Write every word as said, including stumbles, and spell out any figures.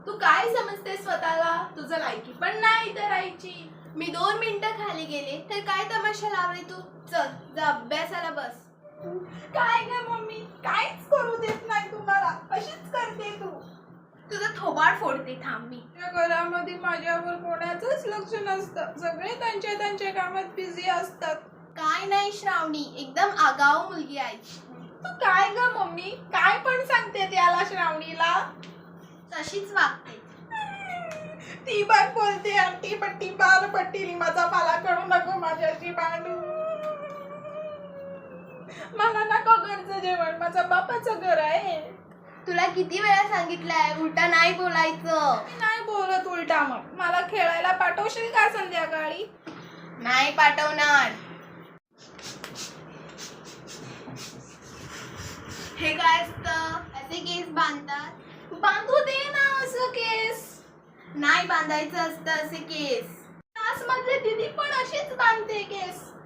तू काय समजते स्वतःला? तुझं लायकी पण नाही तर राहायची. मी दोन मिनिटं खाली गेले तर काय तमाशा लावले तू? चल जा अभ्यासाला बस. काय ग मम्मी, काहीच करू देत नाही तुम्हाला, अशीच करते तू. तुझं थोबाड फोडते थांब मी. या घरामध्ये माझ्यावर कोणाचंच लक्ष नसतं. सगळे त्यांच्या त्यांच्या कामात बिझी असतात. काय नाही श्रावणी, एकदम आगाऊ मुलगी आहे. तू काय ग मम्मी, काय पण सांगते त्याला श्रावणीला. तशीच वागते. ती बाग बोलते आंटी पट्टी बार पट्टी माझा मला कळू नको माझ्याशी भांडू. मला नको घरचं जेवण, माझं बापाचं घर आहे. तुला किती वेळा सांगितलंय उलटा नाही बोलायचं. मी नाही बोलत उलटा. मग मला खेळायला पाठवशील का संध्याकाळी? नाही पाठवणार. हे काय असतं? असे केस बांधतात. बांधू दे ना असं केस. नाही बांधायचं असतं असे केस. क्लास मधले दीदी पण अशीच बांधते केस.